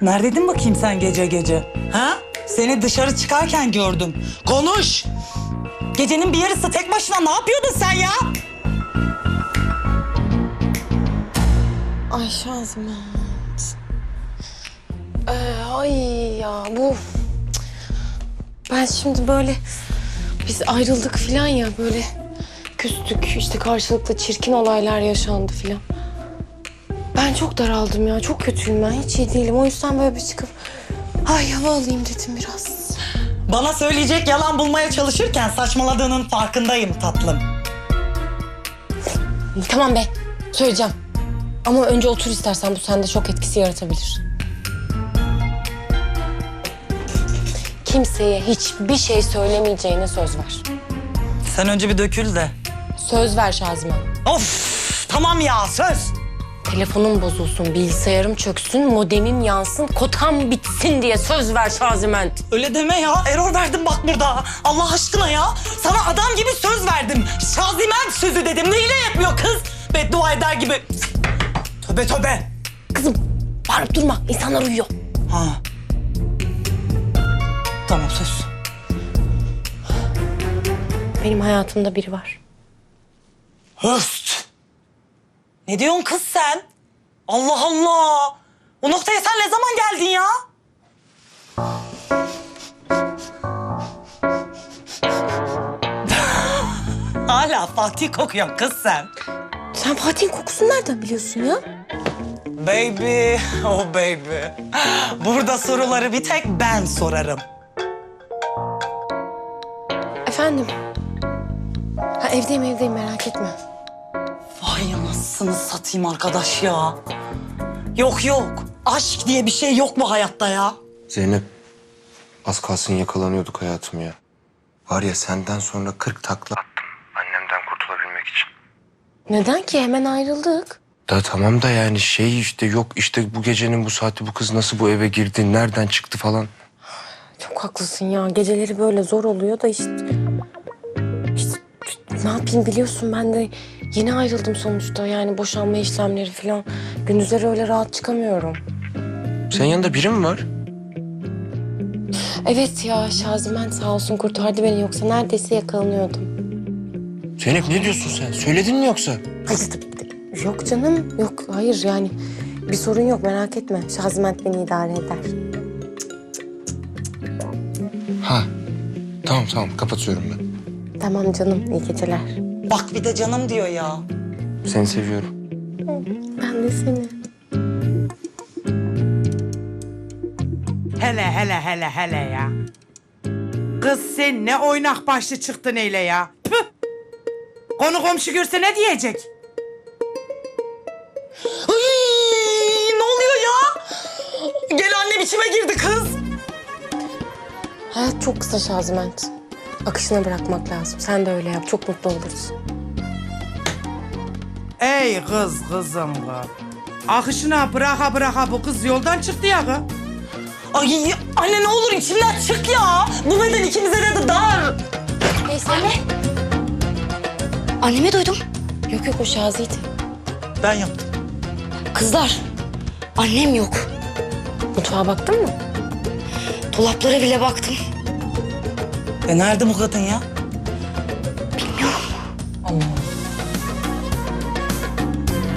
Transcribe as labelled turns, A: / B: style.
A: Neredeydin bakayım sen gece gece? Ha? Seni dışarı çıkarken gördüm. Konuş! Gecenin bir yarısı tek başına ne yapıyordun sen ya?
B: Ay Şaziment. Ay ya bu... Ben şimdi böyle... Biz ayrıldık falan ya böyle... Küstük işte karşılıklı çirkin olaylar yaşandı falan. Ben çok daraldım ya. Çok kötüyüm ben. Hiç iyi değilim. O yüzden böyle bir çıkıp... Ay hava alayım dedim biraz.
A: Bana söyleyecek yalan bulmaya çalışırken saçmaladığının farkındayım tatlım.
B: Tamam be. Söyleyeceğim. Ama önce otur istersen, bu sende şok etkisi yaratabilir. Kimseye hiçbir şey söylemeyeceğine söz ver.
A: Sen önce bir dökül de.
B: Söz ver Şaziment.
A: Of! Tamam ya söz!
B: Telefonum bozulsun, bilgisayarım çöksün, modemim yansın, kotam bitsin diye söz ver Şaziment.
A: Öyle deme ya. Error verdim bak burada. Allah aşkına ya. Sana adam gibi söz verdim. Şaziment sözü dedim. Neyle yapmıyor kız? Beddua eder gibi. Tövbe tövbe.
B: Kızım bağırıp durma, insanlar uyuyor.
A: Ha. Tamam söz.
B: Benim hayatımda biri var.
A: Höst. Ne diyorsun kız sen? Allah Allah. O noktaya sen ne zaman geldin ya? Hala Fatih kokuyorsun kız sen.
B: Sen Fatih'in kokusunu nereden biliyorsun ya?
A: Baby, oh baby. Burada soruları bir tek ben sorarım.
B: Efendim? Ha, evdeyim merak etme.
A: Vay anasını satayım arkadaş ya. Yok yok. Aşk diye bir şey yok mu hayatta ya?
C: Zeynep, az kalsın yakalanıyorduk hayatım ya. Var ya senden sonra 40 takla attım annemden kurtulabilmek için.
B: Neden ki? Hemen ayrıldık.
C: Da tamam da yani şey işte yok işte bu gecenin bu saati bu kız nasıl bu eve girdi, nereden çıktı falan.
B: Çok haklısın ya. Geceleri böyle zor oluyor da işte ne yapayım biliyorsun, ben de yeni ayrıldım sonuçta. Yani boşanma işlemleri falan. Gündüzleri öyle rahat çıkamıyorum.
C: Senin yanında biri mi var?
B: Evet ya, Şaziment sağ olsun kurtardı beni, yoksa neredeyse yakalanıyordum.
C: Zeynep ne diyorsun sen? Söyledin mi yoksa?
B: Hayır tabii. Yok canım, yok. Hayır yani bir sorun yok, merak etme. Şaziment beni idare eder.
C: Ha. Tamam kapatıyorum ben.
B: Tamam canım, iyi geceler.
A: Bak bir de canım diyor ya.
C: Seni seviyorum.
B: Ben de seni.
D: Hele ya. Kız sen ne oynak başlı çıktın öyle ya. Püh! Konu komşu görse ne diyecek?
A: Ay, ne oluyor ya? Gel annem içime girdi kız.
B: Hayat çok kısa Şaziment. Akışına bırakmak lazım. Sen de öyle yap. Çok mutlu oluruz.
D: Ey kızım kız. Akışına bıraka bu kız yoldan çıktı ya kız.
A: Ay anne ne olur içimden çık ya. Bu beden ikimize de dar.
B: Neyse.
E: Annemi duydum.
B: Yok o Şazi'ydi.
A: Ben yaptım.
E: Kızlar, annem yok.
B: Mutfağa baktın mı?
E: Dolaplara bile baktım.
A: Nerede bu kadın ya?
E: Bilmiyorum.
A: Allah.